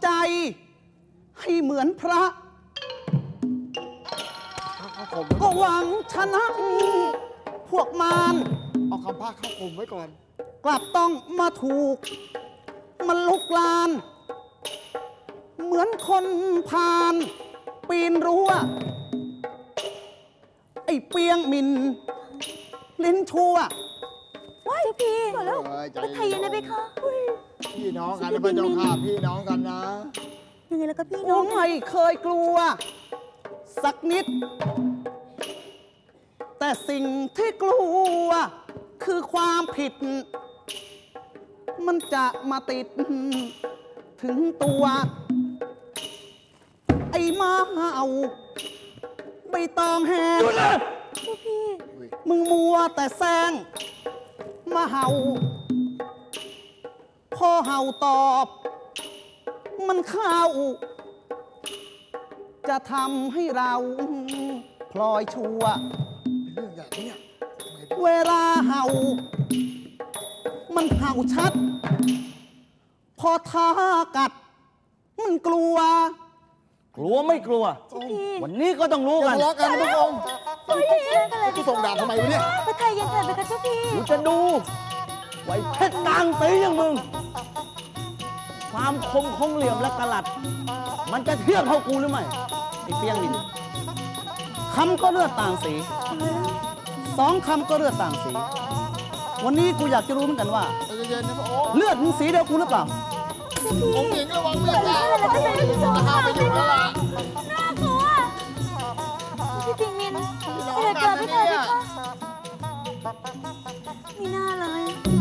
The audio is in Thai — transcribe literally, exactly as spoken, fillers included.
ใจให้เหมือนพระก็หวังชนะพวกมารเอาคำพาเข้าข่มไว้ก่อนกลับต้องมาถูกมันลุกลานเหมือนคนพานปีนรั้วไอ้เปียงมินลิ้นชั่วว้ายพี่ก่อนแล้วไปไทยยังไงไปคะพี่น้องกันนะพระเจ้าค่ะพี่น้องกันนะยังไงแล้วก็พี่น้องไม่เคยกลัวสักนิดแต่สิ่งที่กลัวคือความผิดมันจะมาติดถึงตัวไอ้มาเห่าใบตองแห้งมึงมัวแต่แซงมาเห่าพอเห่าตอบมันเข้าจะทำให้เราพลอยชัวเรื่องอย่างนี้เวลาเห่ามันเห่าชัดพอท้ากัดมันกลัวกลัวไม่กลัววันนี้ก็ต้องรู้กันทะเลาะกันพระองค์กูส่งดาบทำไมวะเนี่ยไปไทยยังไงไปกันเจ้าพี่กูจะดูไว้เพชรกลางตีอย่างมึงความคมของเหลี่ยมและกระลัดมันจะเทียบเท่ากูหรือไม่ไอ้เปียงมินคำก็เลือดต่างสีสองคำก็เลือดต่างสีวันนี้กูอยากจะรู้เหมือนกันว่าเลือดมึงสีเดียวกูหรือเปล่าองค์หญิงระวังเลือดนะห้ามไปอยู่แล้วล่ะน่ากลัวพี่ปิงมินเกิดเกิดไม่เคยไปค่ะไม่น่าเลย